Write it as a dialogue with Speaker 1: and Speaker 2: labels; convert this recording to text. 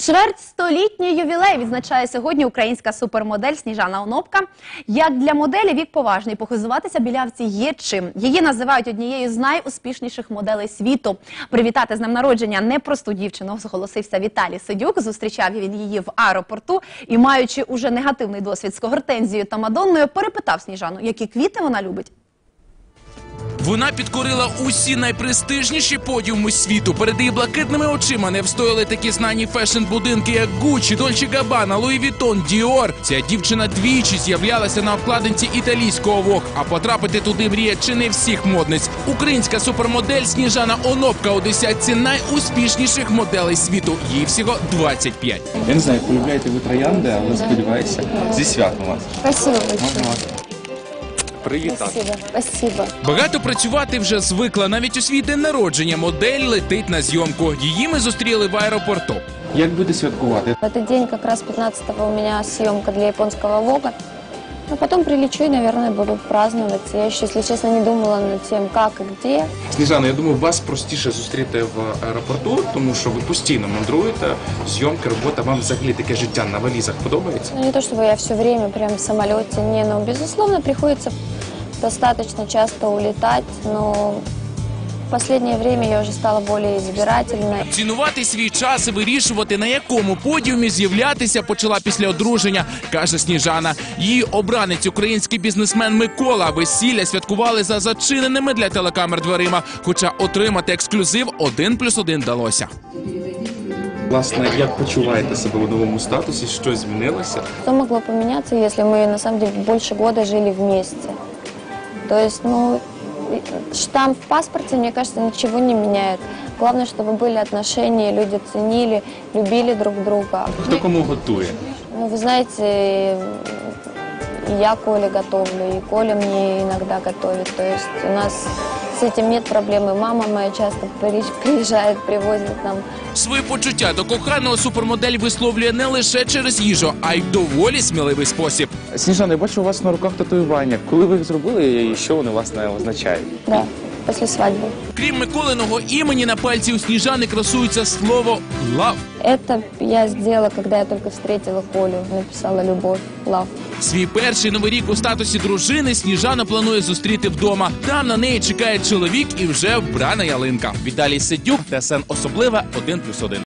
Speaker 1: Чвертьстолітній ювілей відзначає сьогодні українська супермодель Сніжана Онопка. Як для моделі вік поважний, похизуватися білявці є чим. Її називають однією з найуспішніших моделей світу. Привітати з днем народження непросту дівчину зголосився Віталій Сидюк. Зустрічав він її в аеропорту і, маючи уже негативний досвід з Гортензією та Мадонною, перепитав Сніжану, які квіти вона любить.
Speaker 2: Вона підкорила усі найпрестижніші подіуми світу. Перед її блакитними очима не встояли такі знані фешн-будинки, як Гуччі, Дольче Габбана, Луї Віттон, Діор. Ця дівчина двічі з'являлася на обкладинці італійського Vogue, а потрапити туди мріє чи не всіх модниць. Українська супермодель Сніжана Онопка у десятці найуспішніших моделей світу. Їй всього 25.
Speaker 3: Я не знаю, полюбляєте ви троянди, але сподіваюся, зі святом вас.
Speaker 4: Спасибо большое.
Speaker 3: Привітати.
Speaker 4: Спасибо.
Speaker 2: Багато працювати вже звикла. Навіть у свій день народження модель летить на зйомку. Її ми зустріли в аеропорту.
Speaker 3: Як буде святкувати?
Speaker 4: В этот день как раз 15-го у меня съемка для японского Vogue. А потом прилечу и, наверное, буду праздновать. Я еще, если честно, не думала над тем, как и где.
Speaker 3: Сніжана, я думаю, вас простіше зустріти в аеропорту, тому що ви постійно мандруєте, зйомки, робота. Вам взагалі таке життя на валізах подобається?
Speaker 4: Ну, не то, чтобы я все время прям в самолете, не, но, безусловно, приходится достаточно часто улетать, но в последнее время я уже стала более избирательной.
Speaker 2: Цінувати свій час і вирішувати, на якому подіумі з'являтися, почала після одруження, каже Сніжана. Її обранець, український бізнесмен Микола, весілля святкували за зачиненими для телекамер дверима, хоча отримати ексклюзив 1+1 вдалося.
Speaker 3: Власне, як почуваєте себе у новому статусі? Що змінилося?
Speaker 4: Что могло поменяться, если мы, на самом деле, больше года жили вместе? То есть, ну, штамп в паспорте, мне кажется, ничего не меняет. Главное, чтобы были отношения, люди ценили, любили друг друга.
Speaker 3: Хто кому готує?
Speaker 4: Ну, вы знаете, и я Коле готовлю, и Коля мне иногда готовит. То есть у нас с этим нет проблемы. Мама моя часто приезжает, привозит нам.
Speaker 2: Свої почуття до коханого супермодель висловлює не лише через їжу, а й в доволі сміливий спосіб.
Speaker 3: Сніжана, я бачу у вас на руках татуювання. Коли ви їх зробили і що вони, власне, означають?
Speaker 4: Да, после свадьбы.
Speaker 2: Крім Миколиного імені, на пальці у Сніжани красується слово «лав».
Speaker 4: Это я сделала, когда я только встретила Колю, написала «Любовь», «Love».
Speaker 2: Свій перший новий рік у статусі дружини Сніжана планує зустріти вдома. Там на неї чекає чоловік і вже вбрана ялинка. Віталій Сидюк, ТСН Особлива, 1+1.